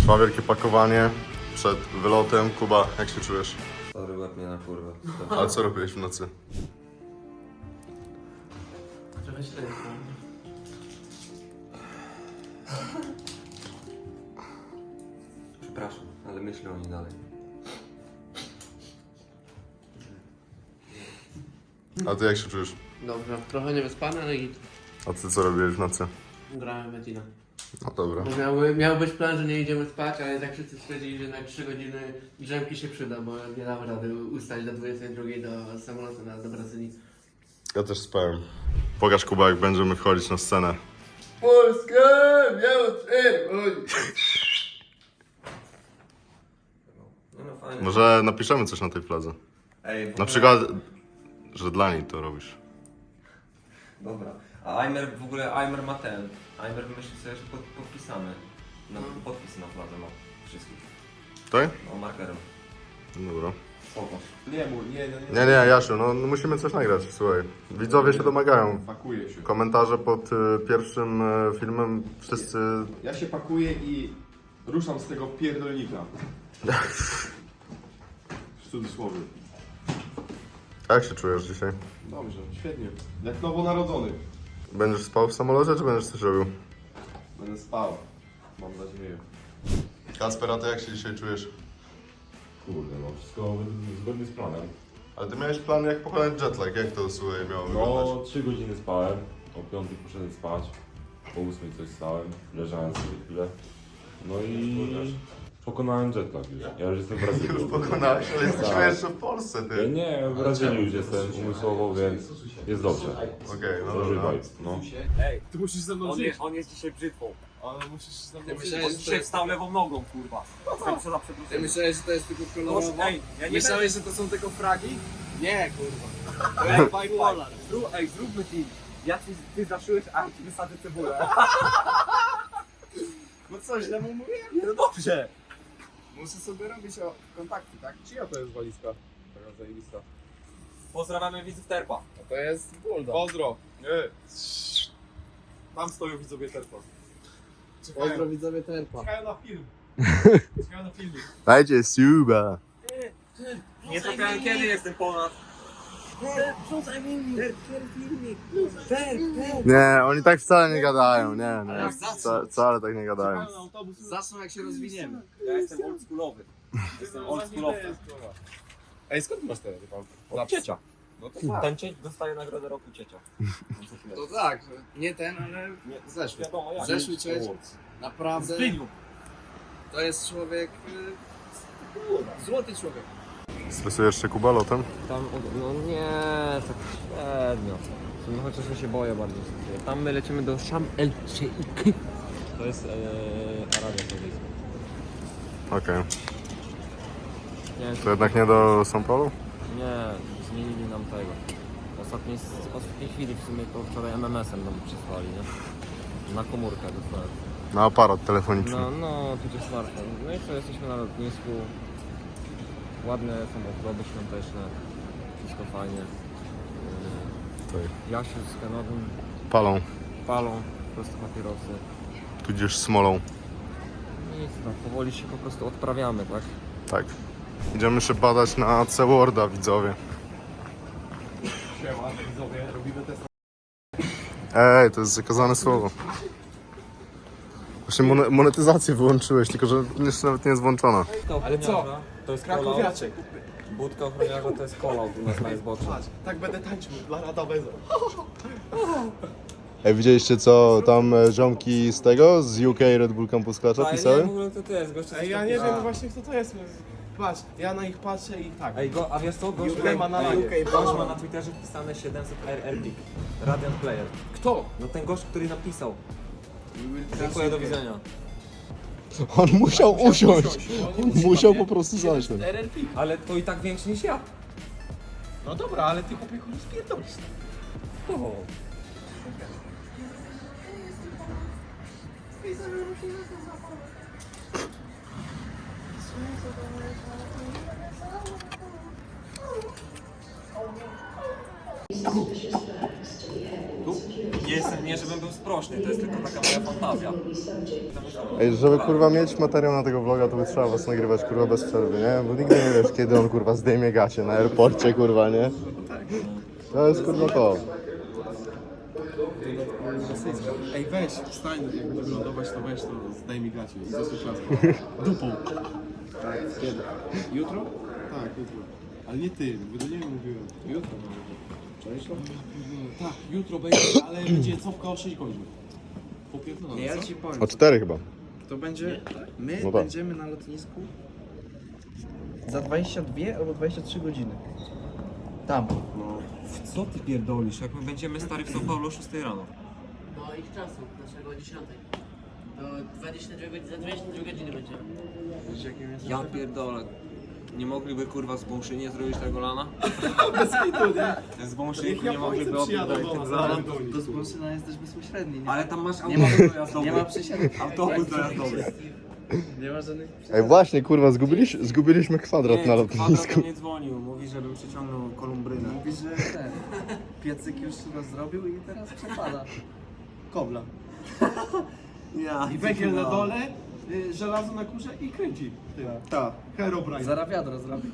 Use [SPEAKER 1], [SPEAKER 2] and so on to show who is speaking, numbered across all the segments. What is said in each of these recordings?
[SPEAKER 1] Trwa wielkie pakowanie przed wylotem. Kuba, jak się czujesz?
[SPEAKER 2] Sorry, łeb mnie na kurwę.
[SPEAKER 1] A co robiłeś w nocy?
[SPEAKER 3] Trochę źle jest.
[SPEAKER 2] Przepraszam, ale myślę o niej dalej.
[SPEAKER 1] A ty jak się czujesz?
[SPEAKER 3] Dobrze, trochę niewyspany, ale i
[SPEAKER 1] A ty co robiłeś w nocy?
[SPEAKER 3] grałem w Metina.
[SPEAKER 1] No dobra.
[SPEAKER 3] Bo miał być plan, że nie idziemy spać, ale tak wszyscy stwierdzili, że na 3 godziny drzemki się przyda, bo nie damy rady ustać do 22 do samolotu do Brazylii.
[SPEAKER 1] Ja też spałem. Pokaż Kuba, jak będziemy wchodzić na scenę.
[SPEAKER 3] Polskę miało czerwoń!
[SPEAKER 2] No fajnie.
[SPEAKER 1] Może napiszemy coś na tej fladze.
[SPEAKER 2] Ej,
[SPEAKER 1] Na przykład, że dla niej to robisz.
[SPEAKER 2] Dobra. A Aimer w ogóle, Aimer ma ten. Aimer myśli sobie, że podpisamy. No, podpis na fladze ma wszystkich.
[SPEAKER 1] Tak?
[SPEAKER 2] No, markerem.
[SPEAKER 1] Dobra.
[SPEAKER 2] Spoko.
[SPEAKER 1] Nie, Jasiu, no musimy coś nagrać, słuchaj. Widzowie się domagają.
[SPEAKER 4] Pakuję się.
[SPEAKER 1] Komentarze pod pierwszym filmem wszyscy...
[SPEAKER 4] Ja się pakuję i ruszam z tego pierdolnika. W cudzysłowie.
[SPEAKER 1] A jak się czujesz dzisiaj?
[SPEAKER 4] Dobrze, świetnie. Jak nowonarodzony.
[SPEAKER 1] Będziesz spał w samolocie, czy będziesz coś robił?
[SPEAKER 4] Będę spał. Mam nadzieję.
[SPEAKER 1] Kacper, a ty jak się dzisiaj czujesz?
[SPEAKER 5] Kurde, no wszystko zgodnie z planem.
[SPEAKER 1] Ale ty miałeś plan, jak pokonać jetlag, jak to, słuchaj, miało wyglądać?
[SPEAKER 5] No, 3 godziny spałem, o 5 poszedłem spać, o 8 coś stałem, leżałem sobie chwilę. No i pokonałem jetlag już. Ja już jestem w Brazylii.
[SPEAKER 1] Już pokonałeś, ale jesteśmy
[SPEAKER 5] Tak.
[SPEAKER 1] jeszcze w Polsce,
[SPEAKER 5] Ja
[SPEAKER 1] ty.
[SPEAKER 5] nie, w Brazylii już jestem umysłowo, więc jest dobrze.
[SPEAKER 1] Okej, no
[SPEAKER 5] Dobry
[SPEAKER 1] dobra.
[SPEAKER 5] vibe, no.
[SPEAKER 4] Ty musisz ze mną żyć.
[SPEAKER 6] On jest dzisiaj brzytwą.
[SPEAKER 4] Ale musisz ze mną
[SPEAKER 3] Ja
[SPEAKER 4] żyć.
[SPEAKER 3] myślałem,
[SPEAKER 6] On dzisiaj wstał lewą nogą, kurwa. Za przeproszeniem.
[SPEAKER 3] myślałeś, że to jest tylko kolorowo?
[SPEAKER 6] Ej, ja nie
[SPEAKER 3] Myślałeś, że to są tylko fragi? Nie, kurwa.
[SPEAKER 6] Ej, zróbmy team. Ty zaszyłeś, a ja ci wysadzę cebulę.
[SPEAKER 3] No co, źle mu mówię?
[SPEAKER 6] No dobrze.
[SPEAKER 4] Muszę sobie robić kontakty, tak? Czyja to jest walizka? Taka zajebista.
[SPEAKER 6] Pozdrawiamy widzów Terpa.
[SPEAKER 3] No to jest bulldog.
[SPEAKER 4] Pozdro! Nie. Tam stoją widzowie Terpa.
[SPEAKER 3] Pozdro widzowie Terpa.
[SPEAKER 4] Czekają na film. Czekają na filmik.
[SPEAKER 1] Dajcie suba.
[SPEAKER 6] Nie trafiałem kiedy jestem ponad.
[SPEAKER 1] Nie, oni tak wcale nie gadają, nie,
[SPEAKER 3] Ale
[SPEAKER 1] nie.
[SPEAKER 3] za
[SPEAKER 1] Wcale tak nie gadają.
[SPEAKER 4] Czekają na autobus.
[SPEAKER 3] Zaczną jak się rozwiniemy.
[SPEAKER 6] Ja jestem oldschoolowy. Jestem oldschoolowcem.
[SPEAKER 4] Ej, skąd masz te rypałki?
[SPEAKER 6] Od ciecia.
[SPEAKER 4] No to tak.
[SPEAKER 6] Ten cieć dostaje nagrodę roku ciecia.
[SPEAKER 3] To tak, nie ten, ale zeszły.
[SPEAKER 6] Wiadomo jak.
[SPEAKER 3] Zeszły cieć. Naprawdę.
[SPEAKER 6] Zbyniu.
[SPEAKER 3] To jest człowiek... Złoty człowiek.
[SPEAKER 1] Stresujesz się, Kuba, lotem?
[SPEAKER 2] Tam, no nie, tak średnio. No chociaż ja się boję bardziej. Tam my lecimy do Sham El Sheikh. To jest Arabia Saudyjska.
[SPEAKER 1] Okej.
[SPEAKER 2] Nie,
[SPEAKER 1] To jednak nie do São Paulo?
[SPEAKER 2] nie, zmienili nam tego. Ostatniej chwili w sumie to wczoraj MMS-em nam przysłali, nie? Na komórkę dostałem.
[SPEAKER 1] Na aparat telefoniczny.
[SPEAKER 2] No, tudzież smartfon. No i co, jesteśmy na lotnisku. Ładne samochody świąteczne. Wszystko fajnie.
[SPEAKER 1] Tutaj.
[SPEAKER 2] Jasiu z Kenowym
[SPEAKER 1] Palą,
[SPEAKER 2] palą prosto papierosy.
[SPEAKER 1] tudzież smolą.
[SPEAKER 2] Nic, no powoli się po prostu odprawiamy, tak?
[SPEAKER 1] Tak. Idziemy się badać na C-Worda, widzowie.
[SPEAKER 4] Siema, widzowie, robimy test.
[SPEAKER 1] Ej, to jest zakazane słowo. Właśnie monetyzację wyłączyłeś, tylko że jeszcze nawet nie jest włączona.
[SPEAKER 2] Ale co? To jest kolał.
[SPEAKER 4] Krakowiaczek.
[SPEAKER 2] Budka ochroniarza to jest kolał u nas na Xboxie.
[SPEAKER 4] Patrz, tak będę tańczył dla Rada Beza.
[SPEAKER 1] Ej, widzieliście co tam ziomki z tego, z UK Red Bull Campus Clutcha
[SPEAKER 2] w
[SPEAKER 1] pisały?
[SPEAKER 2] ogóle to jest, gościu.
[SPEAKER 4] Ej, ja nie wiem właśnie kto to jest. Patrz, ja na nich patrzę i tak.
[SPEAKER 2] Ej, a wiesz co? Gość
[SPEAKER 4] UK ma na ranie.
[SPEAKER 2] gość ma na Twitterze wpisane 700 RRP. Radiant Player.
[SPEAKER 4] Kto?
[SPEAKER 2] No ten gość, który napisał. Dziękuję, do widzenia.
[SPEAKER 1] On musiał usiąść. On musiał po prostu zasiąść.
[SPEAKER 4] RRP.
[SPEAKER 2] Ale to i tak większy niż ja.
[SPEAKER 4] No dobra, ale ty chłopie chuj spierdolisz.
[SPEAKER 2] O. Tu? Nie, żebym był sprośny, to jest tylko taka moja fantazja.
[SPEAKER 1] Ej, żeby kurwa mieć materiał na tego vloga, to by trzeba was nagrywać kurwa bez przerwy, nie? Bo nigdy nie wiesz, kiedy on kurwa zdejmie gacie na airporcie, kurwa, nie? To jest kurwa to.
[SPEAKER 4] Ej, weź, wstań, jak będziesz lądować, to weź, to zdaj mi gacie i zasłuch laską. Dupą. Kiedy? Jutro? Tak, jutro. Ale nie ty, bo do niego mówiłem. Jutro może. Tak, jutro będzie, ale będzie cofka o 6 godzin. Popierdolone,
[SPEAKER 6] Ja
[SPEAKER 4] co?
[SPEAKER 6] ci powiem.
[SPEAKER 1] O 4 chyba.
[SPEAKER 6] To będzie. My
[SPEAKER 1] No tak.
[SPEAKER 6] będziemy na lotnisku za 22 albo 23 godziny. Tam.
[SPEAKER 2] Co ty pierdolisz? Jak my będziemy stary w São Paulo o 6 rano?
[SPEAKER 3] Do ich czasu, naszego 10. Do 22 godziny, za 22 godziny będziemy.
[SPEAKER 2] Ja pierdolę. Nie mogliby kurwa z Bąszynie zrobić tego lana?
[SPEAKER 4] Bez hitu, nie?
[SPEAKER 2] Z Bąszyniku nie mogliby opierdolić tego lana?
[SPEAKER 6] To z Bolszyna jest też bezpośredni. Nie,
[SPEAKER 2] Ale tam masz
[SPEAKER 6] nie ma,
[SPEAKER 2] autobus dojazdowy.
[SPEAKER 6] nie ma przesiadek.
[SPEAKER 2] Autobus dojazdowy.
[SPEAKER 6] Nie ma żadnych
[SPEAKER 1] Ej, właśnie kurwa, zgubiliśmy kwadrat na
[SPEAKER 2] Kwadrat
[SPEAKER 1] lotnisku.
[SPEAKER 2] nie dzwonił, mówi, żebym przyciągnął kolumbrynę.
[SPEAKER 6] Mówi, że ten piecyk już zrobił i teraz przekłada kobla.
[SPEAKER 2] Ja.
[SPEAKER 4] I węgiel na dole, żelazo na górze i kręci. Tak. Herobrine.
[SPEAKER 6] Zaraz wiadro zrobi.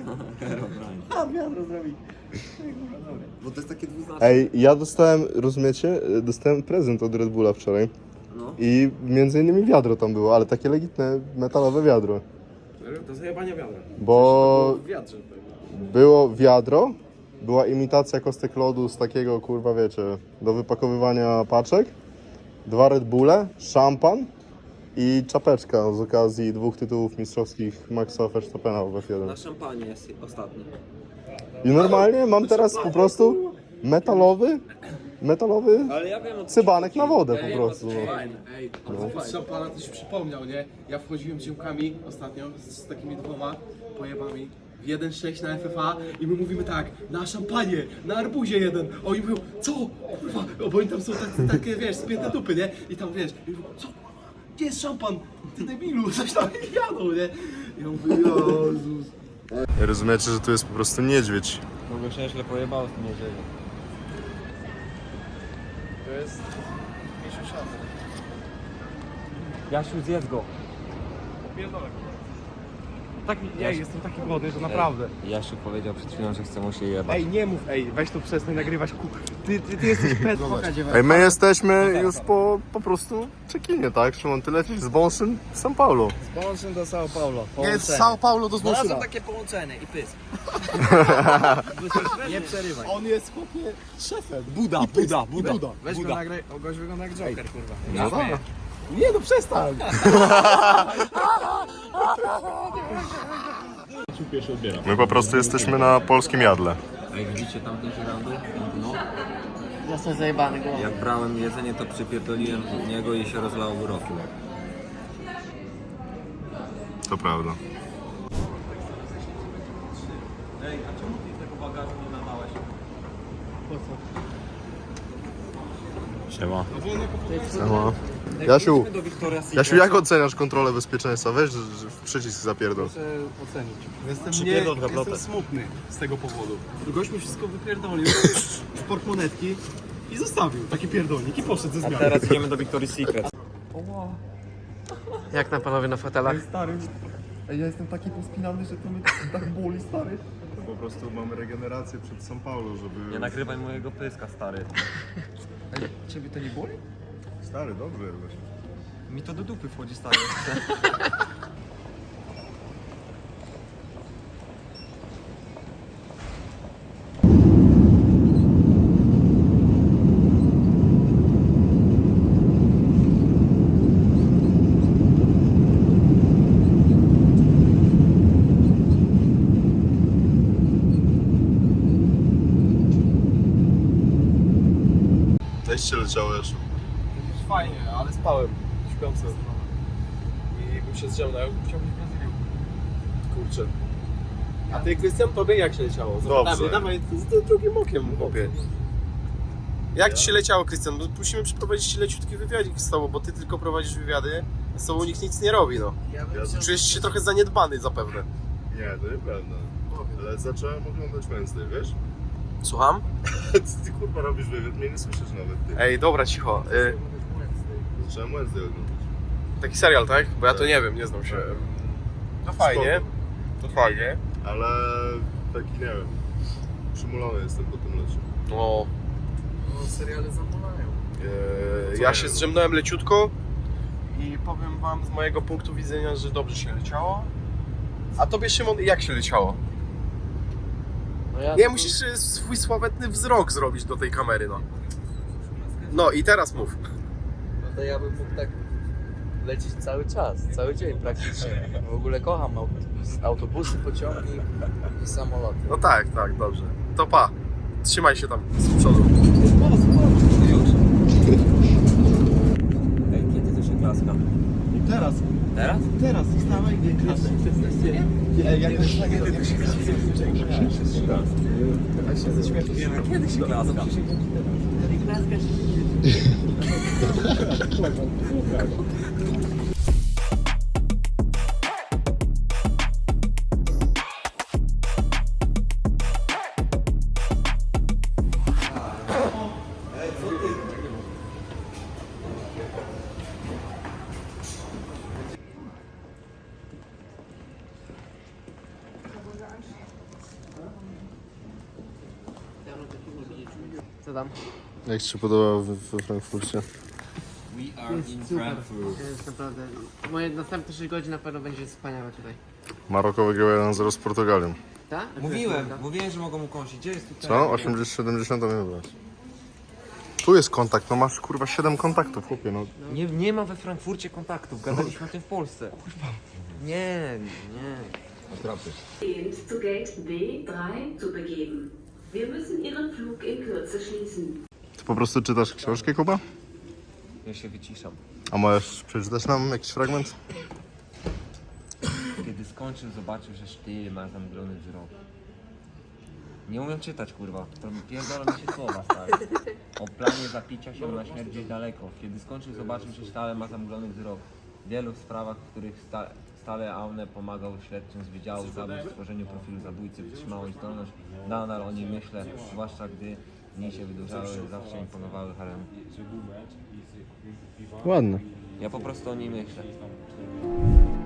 [SPEAKER 6] A, wiadro zrobi.
[SPEAKER 2] Bo to jest takie dwuznaczne.
[SPEAKER 1] Ej, ja dostałem, rozumiecie, dostałem prezent od Red Bulla wczoraj.
[SPEAKER 2] No.
[SPEAKER 1] I między innymi wiadro tam było, ale takie legitne metalowe wiadro.
[SPEAKER 4] Do zajebania wiadra.
[SPEAKER 1] Bo
[SPEAKER 4] W wiadrze.
[SPEAKER 1] było wiadro, była imitacja kostek lodu z takiego, kurwa wiecie, do wypakowywania paczek, 2 Red Bulle, szampan i czapeczka z okazji 2 tytułów mistrzowskich Maxa Verstappena w
[SPEAKER 2] Na
[SPEAKER 1] F1.
[SPEAKER 2] szampanie jest ostatni.
[SPEAKER 1] I normalnie mam teraz po prostu metalowy
[SPEAKER 2] Ale ja wiem o co
[SPEAKER 1] cybanek
[SPEAKER 2] ci
[SPEAKER 1] na
[SPEAKER 2] chodzi.
[SPEAKER 1] wodę
[SPEAKER 2] Ja
[SPEAKER 1] po
[SPEAKER 2] wiem,
[SPEAKER 1] prostu.
[SPEAKER 2] o co ci
[SPEAKER 1] No.
[SPEAKER 2] chodzi.
[SPEAKER 4] Ej, a z szampana coś przypomniał, nie? Ja wchodziłem z ziomkami ostatnio, z takimi 2 pojebami, w 1.6 na FFA i my mówimy tak, na szampanie, na arbuzie jeden. A oni mówią, co? Kurwa, bo oni tam są takie, wiesz, spięte dupy, nie? I tam, wiesz, i mówią, co? Gdzie jest szampan? Ty debilu, coś tam jadą, nie? I ja mówię, Jezus.
[SPEAKER 1] Rozumiecie, że tu jest po prostu niedźwiedź.
[SPEAKER 2] Mogę się źle pojebało z tym niedźwiedziem.
[SPEAKER 4] To jest misiu szampan.
[SPEAKER 2] Jasiu, zjedz go.
[SPEAKER 4] Jestem taki głodny, że naprawdę.
[SPEAKER 2] Jasiu powiedział przed chwilą, że chce mu się jebać.
[SPEAKER 4] Ej, nie mów, weź tu przestań nagrywać, ty jesteś pet.
[SPEAKER 1] Ej, my jesteśmy już po prostu check-inie, tak? Szymon, ty lecisz z Bąszyn w São Paulo.
[SPEAKER 6] Z Bolszyn do São Paulo.
[SPEAKER 4] Nie, z São Paulo do
[SPEAKER 6] Znalazłem
[SPEAKER 4] Znoszyna.
[SPEAKER 6] takie połączenie i pysk. Nie przerywaj.
[SPEAKER 4] On jest chłopie szefem.
[SPEAKER 2] Buda.
[SPEAKER 6] Weź go nagraj, o gość wygląda jak Joker, kurwa.
[SPEAKER 1] No tak.
[SPEAKER 4] Nie no, przestań.
[SPEAKER 1] My po prostu jesteśmy na polskim jadle.
[SPEAKER 2] Ej, widzicie tamten żerandu? No.
[SPEAKER 3] Został zajebany głową.
[SPEAKER 2] Jak brałem jedzenie, to przypierdoliłem w niego i się rozlało wyrokiem.
[SPEAKER 1] To prawda.
[SPEAKER 2] Ej, a czemu ty tego bagażu nie nadałeś?
[SPEAKER 5] Siema.
[SPEAKER 1] Siema. Jasiu,
[SPEAKER 2] Idźmy do Victoria's Secret.
[SPEAKER 1] Jasiu, jak oceniasz kontrolę bezpieczeństwa? Weź że w przycisk zapierdol.
[SPEAKER 4] Jestem smutny z tego powodu. Gość mi wszystko wypierdolił z portmonetki i zostawił taki pierdolnik i poszedł ze zmiany.
[SPEAKER 2] Teraz idziemy do Victoria's Secret.
[SPEAKER 3] Jak tam panowie na fotelach?
[SPEAKER 1] Ja jestem taki pospinany, że to mnie tak boli, stary. Po prostu mamy regenerację przed São Paulo, żeby...
[SPEAKER 2] Nie nagrywaj mojego pyska, stary.
[SPEAKER 6] Ciebie to nie boli?
[SPEAKER 1] Stary, dobrze jest.
[SPEAKER 2] Mi to do dupy wchodzi, stary.
[SPEAKER 1] Cześć się leciało, Jasiu.
[SPEAKER 4] Fajnie, ale spałem. Śpiący. I bym się zdział, chciałbym w Brazylię. Kurczę. A ty, Krystian, tobie jak się leciało?
[SPEAKER 1] Dobrze.
[SPEAKER 4] Dawaj, z drugim okiem, chłopie. Jak ci się leciało, Krystian? Bo musimy przeprowadzić ci leciutki wywiadzik z tobą, bo ty tylko prowadzisz wywiady, z tobą nikt nic nie robi, no. Czujesz się trochę zaniedbany zapewne.
[SPEAKER 1] Nie, to nieprawda. Ale zacząłem oglądać Wednesday, wiesz?
[SPEAKER 4] Słucham?
[SPEAKER 1] Ty kurwa robisz wywiad, mnie nie słyszysz nawet, ty.
[SPEAKER 4] Ej, dobra, cicho.
[SPEAKER 1] Trzeba Wednesday oglądać.
[SPEAKER 4] Taki serial, tak? Bo ja to nie wiem, nie znam się. To fajnie. To fajnie.
[SPEAKER 1] Ale taki, nie wiem, przymulony jestem po tym leciu.
[SPEAKER 4] No.
[SPEAKER 6] seriale zamulają.
[SPEAKER 4] Ja się zdrzemnąłem leciutko i powiem wam z mojego punktu widzenia, że dobrze się leciało. A tobie, Szymon, jak się leciało?
[SPEAKER 6] No
[SPEAKER 4] Nie, musisz swój sławetny wzrok zrobić do tej kamery, no. No i teraz mów.
[SPEAKER 6] No to ja bym mógł tak lecieć cały czas, cały dzień praktycznie. W ogóle kocham autobusy, pociągi i samoloty.
[SPEAKER 4] No tak, dobrze. To pa. Trzymaj się tam z przodu.
[SPEAKER 2] Ej, kiedy to się klaska?
[SPEAKER 1] Teraz.
[SPEAKER 2] Teraz?
[SPEAKER 1] Teraz, wstawaj, nie klasy.
[SPEAKER 2] Kiedy się klaska?
[SPEAKER 3] Co tam?
[SPEAKER 1] Jak ci się podoba we Frankfurcie?
[SPEAKER 2] We are in Frankfurt.
[SPEAKER 3] Jest naprawdę... Moje następne 6 godzin na pewno będzie wspaniałe tutaj.
[SPEAKER 1] Maroko wygrał 1-0 z Portugalią.
[SPEAKER 3] Tak?
[SPEAKER 2] Mówiłem, że mogą mu kąsić. Gdzie jest tutaj?
[SPEAKER 1] Co? 80-70 nie wybrać. Tu jest kontakt, no masz kurwa 7 kontaktów, chłopie, no.
[SPEAKER 2] Nie ma we Frankfurcie kontaktów, gadaliśmy o tym w Polsce. Nie.
[SPEAKER 7] Zu Gate B3 zu begeben. Wir müssen Ihren Flug in Kürze schließen.
[SPEAKER 1] Ty po prostu czytasz książkę, Kuba?
[SPEAKER 2] Ja się wyciszam.
[SPEAKER 1] A możesz przeczytać nam jakiś fragment?
[SPEAKER 2] Kiedy skończył, zobaczył, że sztyl ma zamglony wzrok. Nie umiem czytać, kurwa. Pierdolą mi się słowa, stary. O planie zapicia się na śmierć gdzieś daleko. Kiedy skończył, zobaczył, że sztyl ma zamglony wzrok. W wielu sprawach, w których stale Aune pomagał śledczym z Wydziału Zabójstw w stworzeniu profilu zabójcy, wytrzymałeś zdolność. Nadal o nim myślę, zwłaszcza gdy dni się wydłużały, zawsze imponowały harem.
[SPEAKER 1] Ładne.
[SPEAKER 2] Ja po prostu o niej myślę.